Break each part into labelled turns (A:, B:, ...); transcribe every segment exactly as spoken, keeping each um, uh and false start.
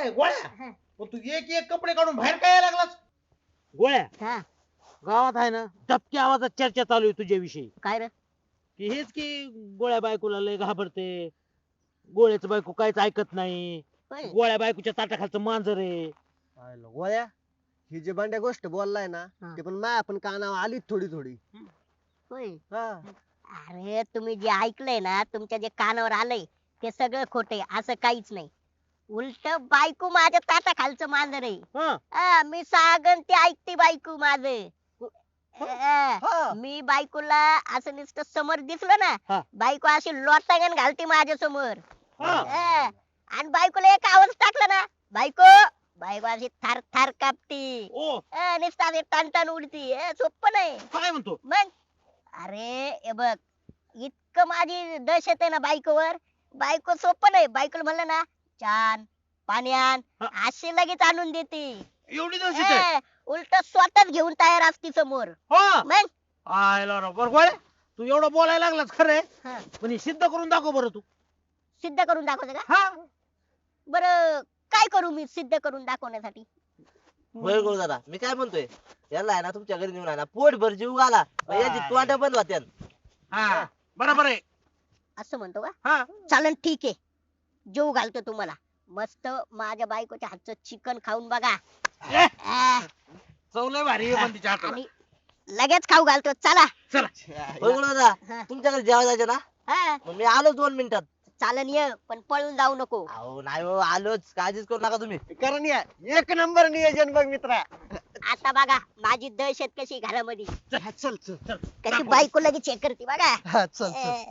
A: ए गोळ्या पण तू एक एक कपडे काढून बाहेर काय यायला लागलास?
B: गोळ्या
C: हा
B: गावात आहे ना दबक्या आवाजात चर्चा चालू आहे तुझ्याविषयी
C: काय रे
B: की हेच की गोळ्या बायकोला लय घाबरते, गोळ्याचं बायको काहीच ऐकत नाही,
C: होय.
B: गोळ्या बायकोच्या ताटाखालचं मांजर आहे.
D: पाहिलं, गोळ्या ही जी बंड्या गोष्ट बोललाय ना
C: हा.
D: ते पण माया पण कानावर आली थोडी थोडी.
C: होय
D: हा
C: अरे तुम्ही जे ऐकलंय ना तुमच्या जे कानावर आलंय ते सगळं खोटे, असं काहीच नाही. उलट बायको माझ्या ताटा खालचं मांजर आहे.
B: हा
C: हा, मी सांगन ते ऐकते बायको माझं. हा,
D: हा.
C: मी बायकोला असं नुसतं समोर दिसलं
B: हा.
C: ना बायको अशी लोटांगण घालते माझ्या समोर.
B: हा.
C: आणि बायकोला एक आवाज टाकला ना बायको बायको अशी थार थार कापती.
B: ओ
C: हा, नुसतं अशी टन उडती. हे सोपं नाही
B: काय म्हणतो?
C: मग. अरे हे बघ इतकं माझी दहशत आहे ना बायकोवर, बायको सोपं नाही. बायकोला म्हणलं ना छान पाणी आण
B: हा.
C: अशी लगेच आणून देते.
B: एवढी दहशत आहे?
C: उलट स्वतःच घेऊन तयार असती समोर.
B: हा
C: मग
B: आयला राव, बरं गोळ्या तू एवढं बोलायला लागलास खरंय,
C: हा,
B: पण हे सिद्ध करून दाखव बरं तू.
C: सिद्ध करून दाखवते का?
B: हा
C: बर काय करू मी सिद्ध करून दाखवण्यासाठी?
E: होय गोळ दादा, मी काय म्हणतोय, याला आहे ना तुमच्या घरी नेऊन आहे ना पोटभर जीव घाला, मग याची तोंड बंद होत्यान.
B: हा बरोबर आहे.
C: असं म्हणतो का?
B: हा
C: चालन ठीक आहे, जेव घालतो तुम्हाला. मस्त माझ्या बायकोच्या हातचं चिकन खाऊन बघा.
B: ए,
C: आ,
B: चव लय भारी आहे पण तिच्या हाताला.
C: आणि लगेच खाऊ घालतो. चला.
E: होय गोळ दादा,
C: हा.
E: तुमच्या घरी जेवायला जायचं ना,
C: हा,
E: मग मी आलो दोन मिनिटात.
C: चालन ये, पण पळून जाऊ नको.
E: अहो नाही हो, आलोच, काळजीच करू नका तुम्ही.
D: कारण या एक नंबर नियोजन बघ मित्रा.
C: आता बघा माझी दहशत कशी घरामध्ये.
D: हा, चल चल
C: कशी बायको लगेच चेक करते बघा.
D: हा चल चल.
C: ए.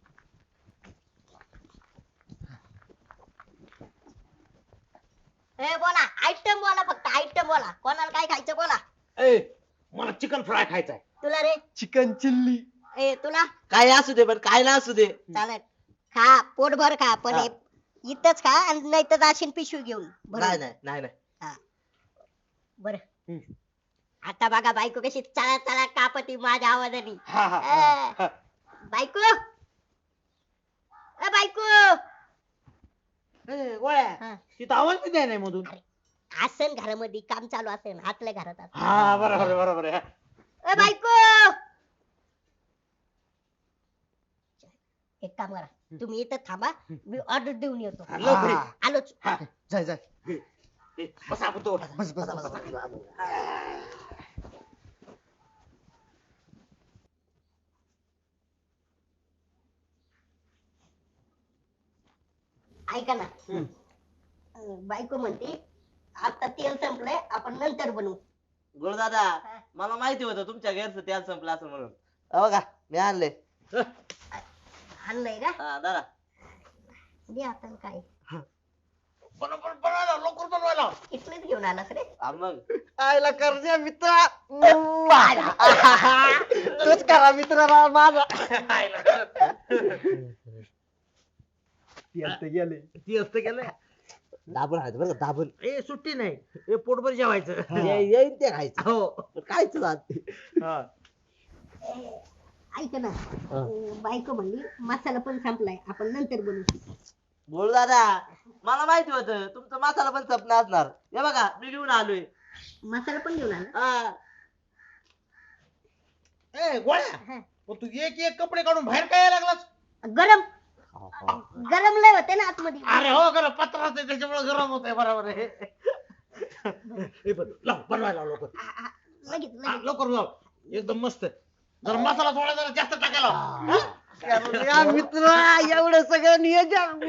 C: ए बोला आयटम बोला, फक्त आयटम बोला. कोणाला काय खायचं बोला.
A: ए मला चिकन फ्राय खायचा आहे.
C: तुला रे?
D: Chicken chilli.
C: ए तुला?
E: काय असू दे पण काय ना असू दे.
C: चालेल खा, पोटभर खा, पण
E: हा.
C: हे इथंच खा आणि नाही तर जाशील पिशवी घेऊन.
E: नाही नाही नाही नाही.
C: बर आता बघा बायको कशी चला चला कापती माझ्या आवाजाने.
A: हा हा
C: ए,
A: हा.
C: बायको ए बायको
B: ए, गोळ्या
C: हा.
B: तिथं आवाज बी द्याय नाही मधून.
C: असेल घरामध्ये काम चालू असेल आतल्या घरात असेल.
A: हा बरोबर आहे, बरोबर आहे.
C: ए बायको एक काम करा, तुम्ही इथं थांबा, मी ऑर्डर देऊन येतो.
A: लवकर ये.
C: आलोच.
D: जाय जाय
A: ए, बस आपण तो
D: बस बस बस.
C: ऐका ना, अं, बायको म्हणते आता तेल संपलंय, आपण नंतर बनवू.
E: गोळ दादा,
C: हा.
E: मला माहिती होतं तुमच्या घरचं तेल संपलं असं म्हणून. अहो का मी आणले.
C: आणलंय का?
E: हा दादा.
C: दे आता काय
A: बरोबर बनवायला लवकर बनवायला.
C: इथलेच घेऊन आलास रे?
E: हा मग
D: आयला करण्या मित्रा. तूच करा मित्र राव माझा. ती आता गेले.
B: ती असतं गेलं.
E: दाबून आहे बरं का, दाबून.
B: ए सुट्टी नाही, ए पोटभर जेवायचं.
E: ये- येईन ते खायचं.
B: हो
E: पण कायच जात.
B: हा.
C: ए, ऐक ना, अं, बायको म्हणली मसाला पण संपलाय, आपण नंतर बनवू.
E: गोळ दादा, मला माहिती होतं तुमचं मसाला पण सपना असणार. हे बघा मी घेऊन आलोय.
C: मसाला पण घेऊन आला?
E: हा.
A: ए गोळ्या
C: हा.
A: पण तू एक एक कपडे काढून बाहेर काय यायला लागलास?
C: गरम गरम लय होते ना आतमध्ये.
A: अरे हो खरं पत्राचं आहे, त्याच्यामुळे गरम होत आहे. बरोबर आहे. ए, पण लाव, बनवायला लाव लवकर.
C: आ, आ, लगेच
A: हा,
C: लगेच.
A: लवकर लाव. एकदम मस्त. जरा मसाला थोडा जरा जास्त टाकायला लाव.
D: करण्या मित्र एवढं सगळं नियोजन.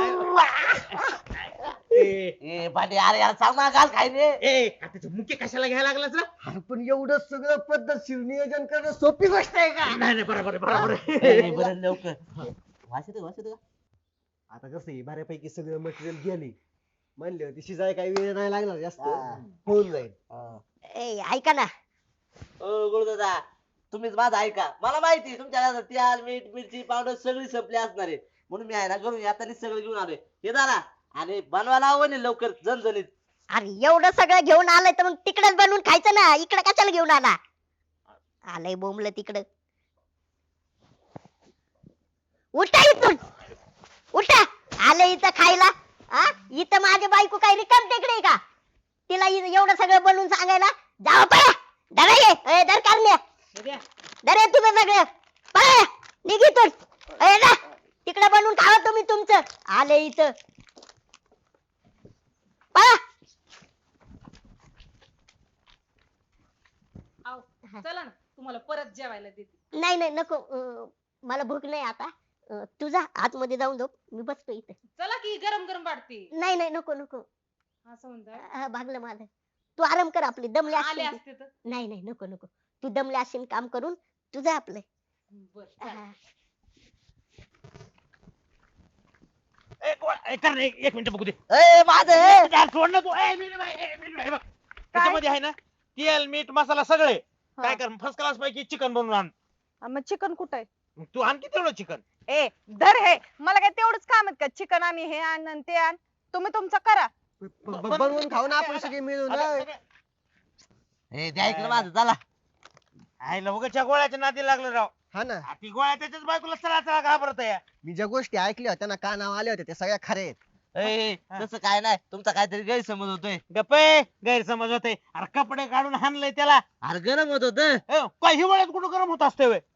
A: ए,
E: ए पाटी, अरे यार सांग ना काल खायने.
A: ए का त्याचे मुके कशाला घ्यायला लागलास ना?
D: अरे पण एवढं सगळं पद्धतशीर नियोजन करणं सोपी गोष्ट आहे का?
A: नाही नाही बरोबर आहे, बरोबर आहे.
E: बरं लवकर. वास येतो वास येतो का?
D: आता कसं आहे बऱ्यापैकी सगळं मटेरियल गेले म्हणले होते शिजाय काही वेळ नाही लागणार जास्त.
E: हा.
D: होऊन जाईल.
E: हा.
C: ए ऐका ना,
E: ओ गुरु दादा, तुम्हीच माझं ऐका. मला माहिती आहे तुमच्या घरात तेल मीठ मिरची पावडर सगळी संपली असणार आहे, म्हणून मी आहे ना घरून येताना सगळं घेऊन आलोय. हे दादा, आणि बनवायला हवं नाही लवकर झणझणीत.
C: अरे एवढं सगळं घेऊन आलंय तर मग तिकडेच बनवून खायचं ना, इकडे कशाला घेऊन आला? आलंय बोंबलं तिकडं. उठा इथून, उठा. आले इथं खायला हा इथं माझी बायको काय रिकाम टेकडे का तिला इ- एवढं सगळं बनवून सांगायला जावा पळा धरा ये ए, धर कारण्या धर ये तुम्ही सगळं पळा निघितून ए जा तिकडे बनवून खावा तुम्ही तुमचं आले इथं पळा
F: आव, चला ना तुम्हाला परत जेवायला देते.
C: नाही नाही नको अं, मला भूक नाही आता अं, तू जा आतमध्ये जाऊन झोप मी बसतो इथं
F: चला की गरम गरम वाटते.
C: नाही नाही नको नको
F: असं म्हणतात.
C: अं, भागलं माझं तू आराम कर आपली दमले
F: आले
C: असशील
F: असते तर.
C: तू. नाही नाही नको नको तू दमले असशील काम करून तू जा आपलं
F: बर चालेल.
C: हा.
B: ए, गोळ्या, ए, कर रे, एक एक मिनिट बघू दे
E: ए माझं ए.
B: यार, सोड ना तू ए, मिनिट बाई, ए, मिनिट बाई, बघ. त्याच्यामध्ये आहे ना तेल मीठ मसाला सगळे काय कर फर्स्ट क्लास पैकी चिकन बनवून आण
G: मग चिकन कुठं आहे
B: मग तू आण की तेवढं चिकन
G: ए धर हे मला काय तेवढंच काम आहेत का चिकन आणि हे आण आणि ते आण तुम्ही तुमचं करा
D: ब- ब- बनवून खाऊ ना आपण सगळे मिळून होय.
E: ए द्या इकडे माझं चला.
B: आईला उगाच्या गोळ्याच्या नादी लागलं राव
D: हा ना
B: आ, ती गोळ्या त्याच्याच बायकोला चला चला घाबरत या
D: मी ज्या गोष्टी ऐकल्या होत्या ना कानावर आल्या होत्या त्या सगळ्या खऱ्या आहेत
E: ए तसं काय नाही तुमचा काहीतरी गैरसमज होतोय.
B: गप्पे गैरसमज होते अरे कपडे काढून हाणलंय त्याला
E: अरे गरम होत होत
B: ए, काय हिवाळ्यात कुठं गरम होत असते वे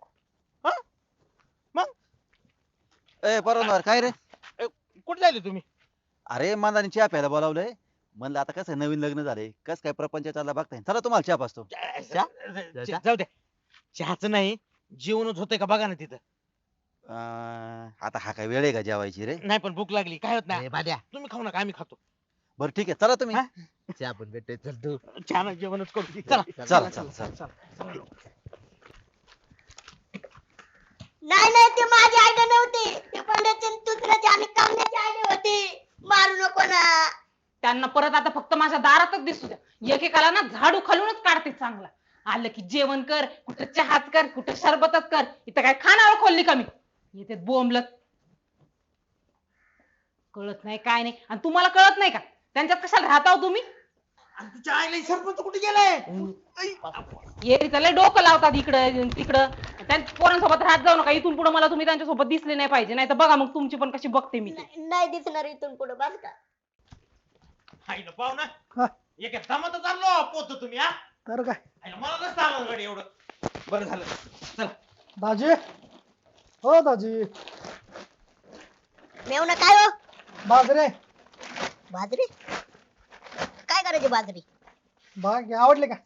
H: ए परवणार काय रे
B: कुठे जायले तुम्ही
H: अरे मांदानी चहा प्यायला बोलावलंय म्हणलं आता कसं नवीन लग्न झालंय कस काय प्रपंच चालला बघताय चला तुम्हाला चहा पाचतो
B: च- जाऊ द्या चहाच नाही जेवणच होतंय का बघा ना तिथं
H: अं, आता हा काय वेळ आहे का जेवायची रे
B: नाही पण भूक लागली काय होत नाही
E: ए, बाद्या
B: तुम्ही खाऊ नका आम्ही खातो
H: बरं ठीक आहे चला तुम्ही
B: हा?
E: चहा पण भेटतोय चल तू.
B: छान जेवणच करू चला
H: चला चला चला
C: नाही नाही ते माझी आयडिया नव्हती ते पंडितची दुसऱ्याची आणि कामण्याची आयडिया होती मारू नको ना
F: त्यांना परत आता फक्त माझ्या दारातच दिसू द्या एकेकाला ना झाडू खालूनच काढते चांगला आलं की जेवण कर कुठं चहाच कर कुठं सरबतच कर इथं काय खानावर खोलली का मी येते बोंबलत कळत नाही काय नाही आणि तुम्हाला कळत नाही का त्यांच्यात कशाला राहता हो तुम्ही
B: आणि तिच्या आईला सरपंच कुठे गेलाय
F: ये लय डोकं लावतात इकडं तिकडं त्या पोरांसोबत राहत जाऊ नका इथून पुढे मला तुम्ही त्यांच्यासोबत दिसले नाही पाहिजे नाही तर बघा मग तुमची पण कशी बघते मी ते.
C: नाही नाही दिसणार इथून पुढे बस का
B: आईला पाहू ना एक दमात चाललो पोहतो तुम्ही हा
A: तर काय
B: आईला मला नसतं आलं गाडी एवढं बरं झालं चला
A: दाजी हो दाजी
C: मेवना काय हो
A: बाजरे
C: बाजरी काय करायची बाजरी
A: बाग आवडले का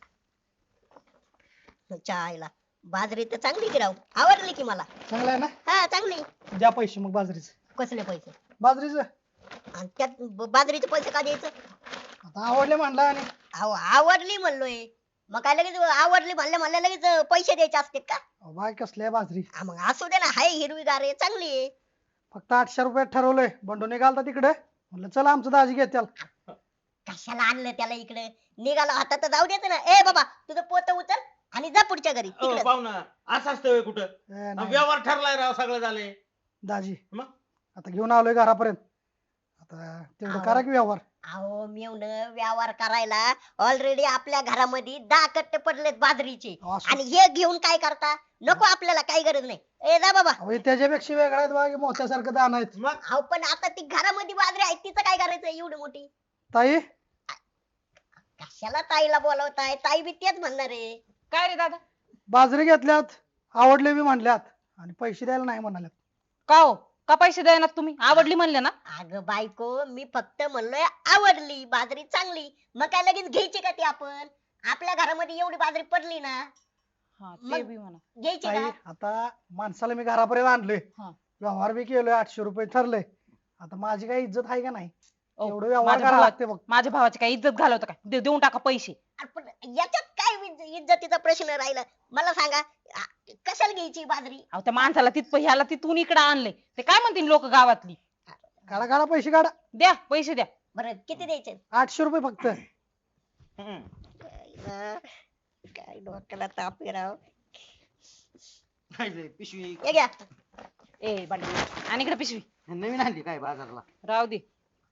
C: चायला बाजरी तर चांगली की राव आवडली की मला
A: चांगलं आहे ना
C: हा चांगली
A: द्या पैसे मग बाजरीचे
C: कसले पैसे
A: बाजरीचं
C: आणि त्यात ब- बाजरीचे पैसे का द्यायचं
A: आता आवडले म्हणला आणि
C: अहो आवडली म्हणलोय मग काय लगेच आवडली म्हणल्या म्हणल्या लगेच पैसे द्यायचे असते का
A: अहो, बाग कसली आहे बाजरी
C: हा, मग असू दे ना हाय हिरवीगार आहे चांगली आहे
A: फक्त आठशे रुपयात ठरवलंय बंडून घालता तिकडे म्हणलं चला आमचं दाजी घेत त्याला
C: कशाला आणलं त्याला इकडे निघाला आता तर जाऊ देत ना ए बाबा तुझं पोत उचल आणि जा पुढच्या घरी
B: ओ,
C: तिकडे
B: पाहू ना असं असतं होय कुठं
A: ए, नाही.
B: व्यवहार ठरलाय राव सगळं झालंय
A: दाजी
B: मग?
A: आता घेऊन आलोय घरापर्यंत आता तेवढं
C: अहो.
A: करा की व्यवहार
C: अहो मेवण व्यवहार करायला ऑलरेडी आपल्या घरामध्ये दहा कट्टे पडलेत बाजरीचे
A: अहो, असं-
C: आणि हे घेऊन काय करता नको आपल्याला काही गरज नाही ए जा बाबा
A: अहो, हे त्याच्यापेक्षा वेगळा आहेत बाग मोत्यासारखं दान आहेत
B: मग
C: अहो पण आता ती घरामध्ये बाजरी आहे तिचं काय करायचं एवढी मोठी
A: ताई
C: कशाला ताईला बोलवताय ताई बी तेच म्हणणार आहे
F: काय रे दादा
A: बाजरी घेतल्यात आवडले बी म्हणल्यात आणि पैसे द्यायला नाही म्हणाल्यात
F: का हो का पैसे द्यायना तुम्ही आवडली म्हणले ना
C: अगं बायको मी फक्त म्हणलोय आवडली बाजरी चांगली मग काय लगेच घ्यायची का ती आपण आपल्या घरामध्ये एवढी बाजरी पडली ना
F: हा ते
C: मग-
F: बी म्हणा
C: घ्यायची
A: ताई
C: का
A: आता माणसाला मी घरापर्यंत आणलोय
F: हा.
A: व्यवहार बी केलोय आठशे रुपये ठरलंय आता माझी काही इज्जत आहे का नाही
F: ओ,
A: एवढं व्यवहार
F: माझ्या
A: करायला
F: भावा-
A: लागते बघ
F: माझ्या भावाची काय इज्जत घालवतं काय दे- देऊन टाका पैसे
C: अरे पण याच्यात काय इज्ज- इज्जतीचा प्रश्न राहिला मला सांगा आ, कशाला घ्यायची बाजरी
F: अहो त्या माणसाला तिथं ह्याला तिथून इकडे आणलंय ते काय म्हणतील लोक गावातली
A: काढा काढा पैसे काढा
F: द्या पैसे द्या
C: बरं किती द्यायचे
A: आठशे रुपये फक्त
B: हम्म.
C: ना, काय डोक्याला ताप आहे राव
E: काय रे, पिशवी
C: हे घ्या
F: ए बांडी आणि इकडे पिशवी
E: नवीन आणली काय बाजारला
F: राहू दे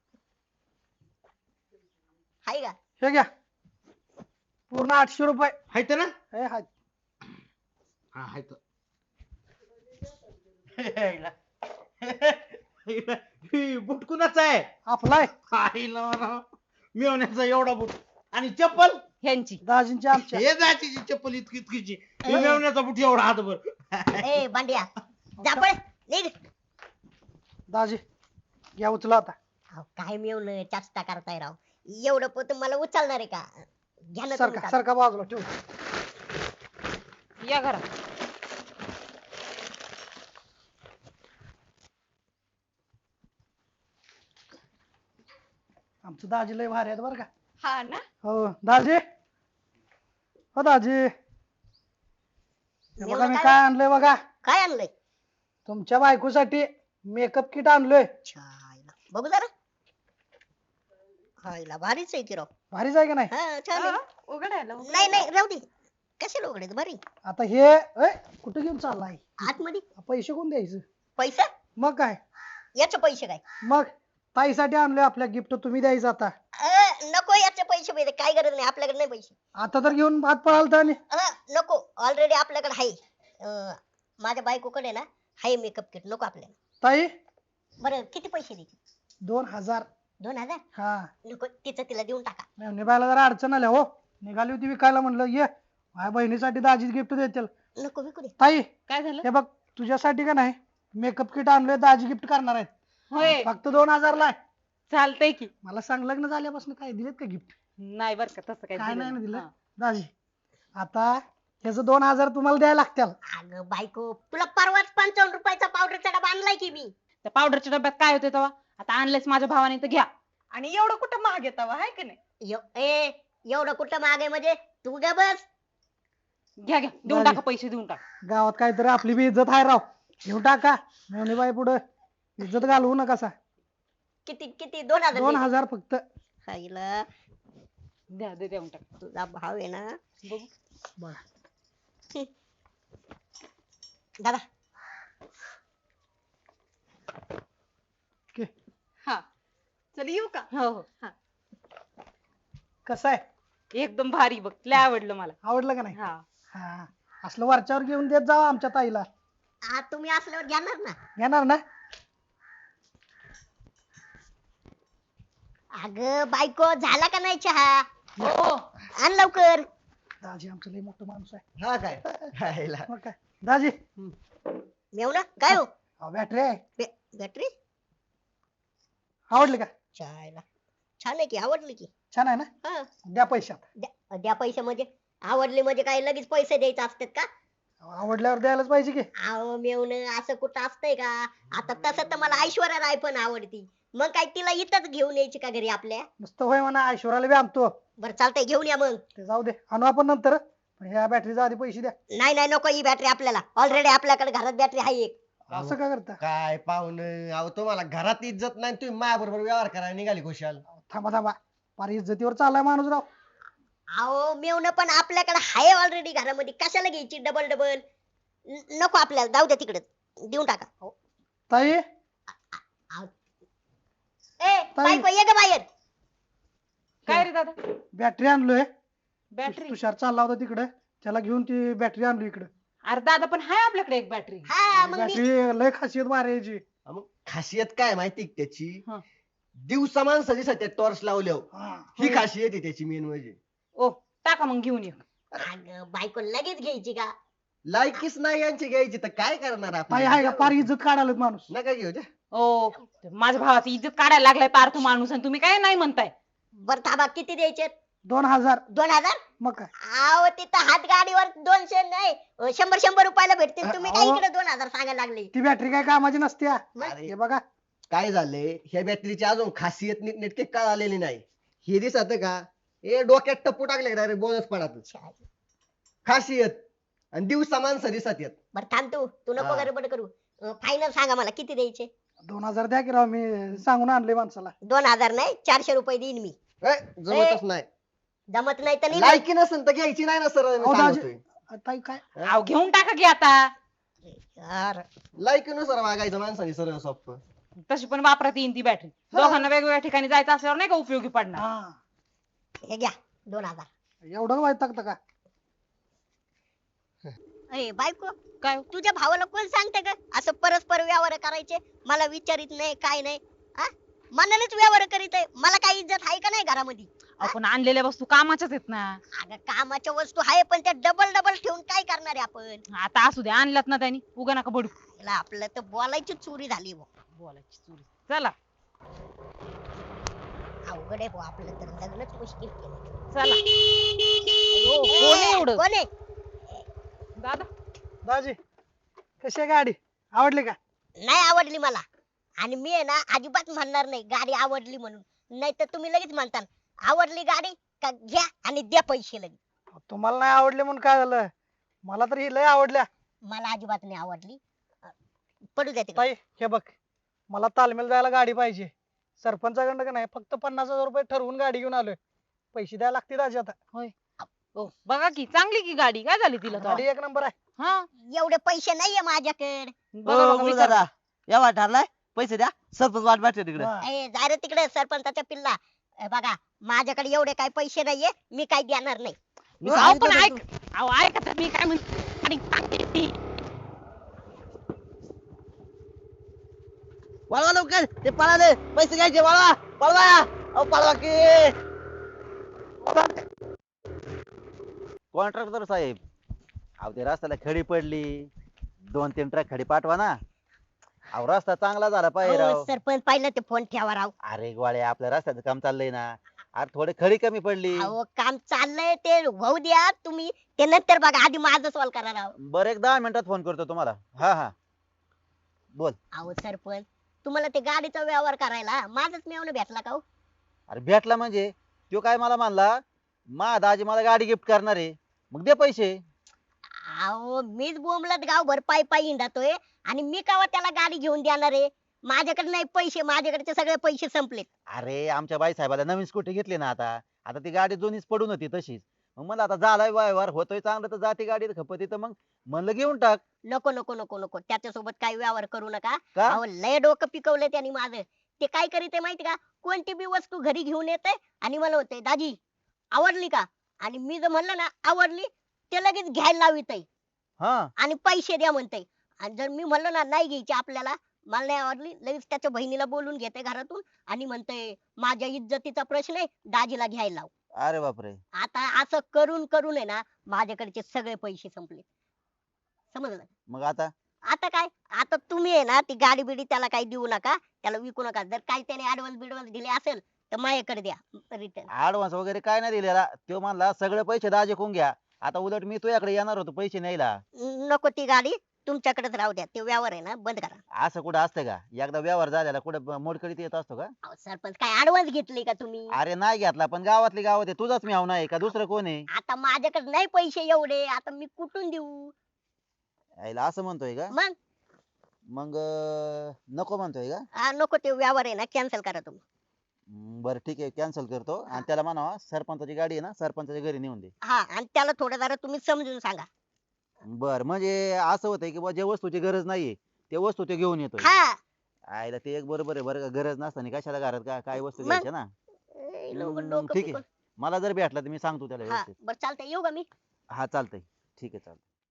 C: हाय का
A: हे घ्या पूर्ण आठशे रुपये
B: हायत ना
A: हे हाय
B: हा हायत ही बुट कुणाचा आहे
A: आपलाय
B: आईला राव. मेवण्याचा एवढा बुट आणि चप्पल
F: ह्यांची
A: दाजींची आमच्या
B: हे जायची चप्पल इतकी इतकीची ही मेवण्याचा बुट एवढा हातभर
C: ए बांड्या जा पळ निघ.
A: दाजी घ्या उचला आता
C: अहो, काय मिळवलं चाचता करताय राव एवढं पोत मला उचलणार आहे का घ्या ना तुम्ही
A: सरका
C: चालू.
A: सरका बाजूला ठेव
F: या घरात
A: आमचं दाजी लय भारी आहेत बरं का
G: हा ना
A: हो दाजी हो दाजी हे बघा
C: एवढं
A: मी
C: काय?
A: काय आणलंय बघा
C: काय आणलंय
A: तुमच्या बायकोसाठी मेकअप किट आणलोय
C: छायला बघू जरा हायला भारीच आहे की राव
A: भारीच आहे का नाही
C: हा छान आहे.
G: उघडायला
C: नाही नाही राहू दे कशाला उघडायचं बरी
A: आता हे ए, कुठं घेऊन चाललाय
C: आतमध्ये
A: पैसे कोण द्यायचं
C: पैसा
A: मग काय
C: याचे पैसे काय
A: मग ताईसाठी आणलोय आपल्या गिफ्ट तुम्ही द्यायचं आता
C: अ, नको याचे पैसे पाहिजे काय गरज नाही आपल्याकडे नाही पैसे
A: आता तर घेऊन भात पळाल तर
C: अ, नको ऑलरेडी आपल्याकडे आहे अ, माझ्या बायकोकडे ना आहे मेकअप किट नको आपल्याला
A: ताई
C: बरं किती पैसे द्यायचे
A: दोन हजार
C: दोन हजार
A: हा
C: नको तिचं तिला देऊन टाका
A: निभायला जरा अडचण आल्या हो निघाली होती विकायला म्हणलं ये माझ्या बहिणीसाठी दाजीच गिफ्ट देतील
C: नको विकू दे
A: ताई
F: काय झालं
A: हे बघ तुझ्यासाठी का नाही मेकअप किट आणलोय दाजी गिफ्ट करणार आहेत
F: होय
A: फक्त दोन हजार ला आहे.
F: चालतंय की
A: मला सांग लग्न झाल्यापासून काय दिलेत का गिफ्ट
F: नाही बर का तसं
A: काय
F: काय
A: नाही ना
F: दिलं
A: दिलं
F: हा.
A: दाजी आता ह्याचं दोन हजार तुम्हाला द्यायला लागतील
C: अगं बायको तुला परवाच पंचावन्न रुपयाचा पावडरचा डबा आणलाय की मी
F: त्या पावडरच्या डब्यात काय होते तेव्हा आता आणलंयस माझ्या भावाने तर घ्या
G: आणि एवढं कुठं महाग येत आहे की नाही
C: एव- ए एवढं कुठं मागे म्हणजे तू ग बस
F: घ्या घ्या देऊन
A: झाली.
F: टाका पैसे देऊन टाका
A: गावात काहीतरी आपली बी इज्जत आहे राव घेऊन टाका बाई पुढे इज्जत घालवू नका सा
C: किती किती दोन हजार
A: दोन
C: द्यायचे.
A: हजार फक्त
C: हायला,
F: द्या दे देऊन टाका
C: तुझा भाव आहे ना
F: बघू
A: बघा
C: दादा
A: ओके
G: हा चल येऊ का
F: हो हो
A: कसं आहे
F: एकदम भारी बघ लय आवडलं मला
A: आवडलं का नाही
F: हा
A: हा असलं वरच्यावर घेऊन देत जावा आमच्या ताईला
C: आज तुम्ही असल्यावर घेणार ना
A: घेणार ना
C: अगं बायको झाला का नाही चहा
F: हो
C: आण लवकर
A: दाजी आमचं लय मोठं माणूस आहे
D: हा काय खायला.
A: मग काय दाजी
C: मेवना काय हो
A: बॅटरी आहे
C: बॅ- बॅटरी
A: आवडली का
C: चायला छान आहे की आवडली की
A: छान आहे ना
C: हा
A: द्या पैशात
C: द्या द्या पैसे म्हणजे आवडले म्हणजे काय लगेच पैसे द्यायचे असतात का
A: आवडल्यावर द्यायलाच पाहिजे की
C: अहो मेवण असं कुठं असतंय का आता तसं तर मला ऐश्वर्या राय पण आवडती मग काय तिला इथंच घेऊन यायची का घरी आपल्या
A: नुसतं होय म्हणा ऐश्वर्याला बी आणतो
C: बरं चालतंय घेऊन या मग
A: ते जाऊ दे आणू आपण नंतर पण ह्या बॅटरीचा आधी पैसे द्या
C: नाही नाही नको ही बॅटरी आपल्याला ऑलरेडी आपल्याकडे घरात बॅटरी आहे एक
A: असं का करता
D: काय पाहुणं अहो तुम्हाला घरात इज्जत नाही तुम्ही माझ्या बरोबर व्यवहार करायला निघाली खुशाल
A: थांबा थांबा फार इज्जतीवर चाललाय माणूस राव
C: अहो मेवण पण आपल्याकडे आहे ऑलरेडी घरामध्ये कशाला घ्यायची डबल डबल नको आपल्याला जाऊ द्या तिकडे देऊन टाका
A: ताई
C: ए बायको ये ग बाहेर
F: काय रे दादा
A: बॅटरी आणलोय
F: बॅटरी
A: तुषार चालला होता तिकडे त्याला घेऊन ती बॅटरी आणली इकडे
F: अरे दादा पण हाय आपल्याकडे एक बॅटरी
C: हा मग मी
A: बॅटरी लय खासियत मारायची
D: मग खासियत काय माहिती का त्याची
F: हा.
D: दिवसा माणसाची सध्या टॉर्च लावल्यावर
A: हा.
D: ही खासियत आहे त्याची मेन म्हणजे
F: ओ टाका मग घेऊन ये
C: अगं बायको लगेच घ्यायची का
D: लायकीच नाही यांची घ्यायची तर काय करणार
A: ताई आहे का फार इज्जत काढायला माणूस
D: नका घेऊ द्या.
F: ओ माझ्या भावाची इज्जत काढायला लागलाय पार्थ माणूस आणि तुम्ही काय नाही म्हणताय
C: बरं थांबा किती द्यायचे
A: दोन हजार
C: दोन हजार
A: मग काय
C: अहो तिथं हात गाडीवर दोनशे नाही अं, शंभर शंभर रुपयाला भेटतील तुम्ही काय
A: अहो.
C: इकडे दोन हजार सांगायला लागले
A: ती बॅटरी काय कामाची नसते हा.
D: अरे
A: हे बघा
D: काय झालंय ह्या बॅटरीची अजून खासियत नीट नेटके कळालेली नाही हे दिसत का ए डोक्यात टप्पू टाकले डायरेक्ट बोनस पडात खासियत आणि दिवसा माणसं दिसत येत
C: बरं थांब तू तू नको
D: हा.
C: गडबड करू फायनल सांगा मला किती द्यायचे
A: दोन हजार द्या की राव मी सांगून आणले माणसाला
C: दोन हजार नाही चारशे रुपये देईन मी
D: ए, जमतच नाही
C: जमत नाही तर नाही
D: लायकी नसेल तर घ्यायची नाही ना सर
A: अहो, दाजी ताई काय
F: अहो घेऊन टाका की आता
C: यार,
D: लायकीनुसार वागायचं माणसाने सरळ सोप्प
F: तशी पण वापरात येईन ती बॅटरी दोघांना वेगवेगळ्या ठिकाणी जायचं असल्यावर नाही का उपयोगी पडणार
A: हा
C: हे घ्या दोन हजार
A: एवढं वाईट टाकतं का
C: ए बायको
F: काय हो?
C: तुझ्या भावाला कोण सांगते का असं परस्पर व्यवहार करायचे? मला विचारित नाही काय नाही. हा मनानेच व्यवहार करीत आहे. मला काही इज्जत आहे का नाही घरामध्ये?
F: आपण आणलेल्या वस्तू कामाच्याच आहेत ना.
C: अगं कामाच्या वस्तू आहे पण त्या डबल डबल ठेवून काय करणार आहे आपण?
F: आता असू दे, आणल्यात ना त्यांनी, उगा नका बडू.
C: याला आपलं तर बोलायची चोरी झाली बुवा.
F: बोलायची चोरी. चला
C: अवघड आहे बुवा आपलं तर लग्नच मुश्किल केलं.
F: चला.
C: अयो,
F: कोण आहे एवढं?
C: कोण आहे?
F: दादा
A: दाजी कशी आहे गाडी आवडली का?
C: नाही आवडली मला. आणि मी आहे ना अजिबात म्हणणार नाही गाडी आवडली म्हणून. नाही तर तुम्ही लगेच म्हणता आवडली गाडी का घ्या आणि द्या पैसे लगेच.
A: तुम्हाला नाही आवडली म्हणून काय झालं? मला तर ही लय आवडल्या.
C: मला अजिबात नाही आवडली. पडू द्या तिकडे.
A: ताई हे बघ मला तालमेल जायला गाडी पाहिजे. सरपंचाकडनं का नाही फक्त पन्नास हजार रुपये ठरवून गाडी घेऊन आलोय. पैसे द्यायला लागतील दाजी आता.
F: हो बघा की चांगली की गाडी, काय झाली तिला
A: गाडी
F: तेव्हा?
A: एक नंबर आहे.
F: हा
C: एवढे पैसे नाहीये माझ्याकडे.
F: बघा
E: हो
F: बघा,
E: गुरु
F: विचारा.
E: दादा व्यवहार ठरलाय पैसे द्या सरपंच वाट बघते तिकडे.
A: हा.
C: ए, जा रे तिकडे सरपंचाच्या पिल्ला. ए, बघा माझ्याकडे एवढे काही पैसे नाहीये मी काही देणार नाही.
E: मी
F: अहो पण
E: सांगितलं
F: ऐक, अहो ऐका तर मी काय म्हणते. गाडी चांगली आहे ती.
E: वळवा लवकर ते पळाले पैसे घ्यायचे वळवा पळवा अहो पळवा की.
H: कॉन्ट्रॅक्टर साहेब, अहो ते रस्त्याला खडी पडली, दोन तीन ट्रक खडी पाठवा ना. अहो रस्ता चांगला झाला पाहिजे
C: अहो,
H: राव.
C: सरपंच पाहिलं ते फोन ठेवा राव.
H: अरे गोळ्या आपल्या रस्त्याचं काम चाललंय ना. अरे थोडी खडी कमी पडली.
C: अहो काम चाललंय ते होऊ द्या तुम्ही. ते नंतर बघा आधी माझं सॉल्व करा राव.
H: बरं एक दहा मिनिटात फोन करतो तुम्हाला. हा हा बोल.
C: अहो सरपंच तुम्हाला ते गाडीचा व्यवहार करायला माझाच मेवणं भेटला का हो?
H: अरे भेटला म्हणजे तो काय मला म्हणला मा दाजी मला गाडी गिफ्ट करणार आहे, मग दे पैसे.
C: अहो मीच बोंबलत गावभर पायी पायी हिंडतोय आणि मी कावा त्याला गाडी घेऊन देणार आहे? माझ्याकडे नाही पैसे, माझ्याकडचे सगळे पैसे संपलेत.
H: अरे आमच्या बाई साहेबाला नवीन स्कूटी घेतली ना आता. आता ती गाडी जुनीच पडून होती तशीच. मग मला आता झालाय व्यवहार होतोय चांगलं तर जाती गाडी खपत तर मग म्हणलं घेऊन टाक.
C: नको नको नको नको त्याच्यासोबत काही व्यवहार करू नका.
H: का?
C: अहो लय डोकं पिकवलंय त्यांनी माझं. ते काय करीत माहिती का? कोणती बी वस्तू घरी घेऊन येते आणि मला होते दाजी आवडली का? आणि मी जर म्हणलं ना आवडली ते लगेच घ्यायला लावित
H: हा
C: आणि पैसे द्या म्हणते. आणि जर मी म्हणलं ना नाही घ्यायची आपल्याला, मला नाही आवडली, लगेच त्याच्या बहिणीला बोलून घेते घरातून आणि म्हणते माझ्या इज्जतीचा प्रश्न आहे दाजीला घ्यायला लाव.
H: अरे बापरे.
C: आता असं करून करून आहे ना माझ्याकडचे सगळे पैसे संपले. समजलं?
H: मग आता
C: आता काय? आता तुम्ही आहे ना ती गाडी बिडी त्याला काही देऊ नका, त्याला विकू नका. जर काही त्याने ऍडव्हान्स बिडव्हान्स दिले असेल तर माझ्याकडे द्या रिटर्न.
H: ऍडव्हान्स वगैरे काय नाही दिलेला. तो म्हणला सगळे पैसे दाजी कोण घ्या. आता उलट मी तुझ्याकडे येणार होतो पैसे न्यायला.
C: नको ती गाडी तुमच्याकडेच राहू द्या. ते व्यवहार आहे ना बंद करा.
H: असं कुठं असतं का? एकदा व्यवहार झालेला कुठं मोडकळीत येत असतो का?
C: अहो, सरपंच काय ऍडव्हान्स घेतली का तुम्ही?
H: अरे नाही घेतला पण गावातली गावात आहे. तुझाच मी नाही का दुसरं कोण आहे?
C: आता माझ्याकडे नाही पैसे एवढे, आता मी कुठून देऊ?
H: यायला असं म्हणतोय का?
C: मग
H: मग अं, नको म्हणतोय का?
C: हा, नको ते व्यवहार आहे ना कॅन्सल करा तुम्ही.
H: हम्म, बरं ठीक आहे कॅन्सल करतो आणि त्याला म्हणावा सरपंचाची गाडी आहे ना सरपंचाच्या घरी नेऊन दे.
C: हा आणि त्याला थोडं जरा तुम्ही समजून सांगा.
H: बर म्हणजे असं होतंय की बुवा जे वस्तूची गरज नाहीये ते वस्तू ते घेऊन येतोय.
C: हा
H: आयला ते एक बरोबर आहे बरं का. गरज नसताना कशाला घरात का काय वस्तू
C: मग?
H: घ्यायच्या ना.
C: ए, लोकं
H: हम्म,
C: डोकं
H: ठीक आहे
C: पिकवून-
H: मला जर भेटला तर मी सांगतो त्याला
C: हा
H: व्यवस्थित.
C: बरं चालतंय येऊ का मी?
H: हा चालतंय ठीक आहे चालतंय.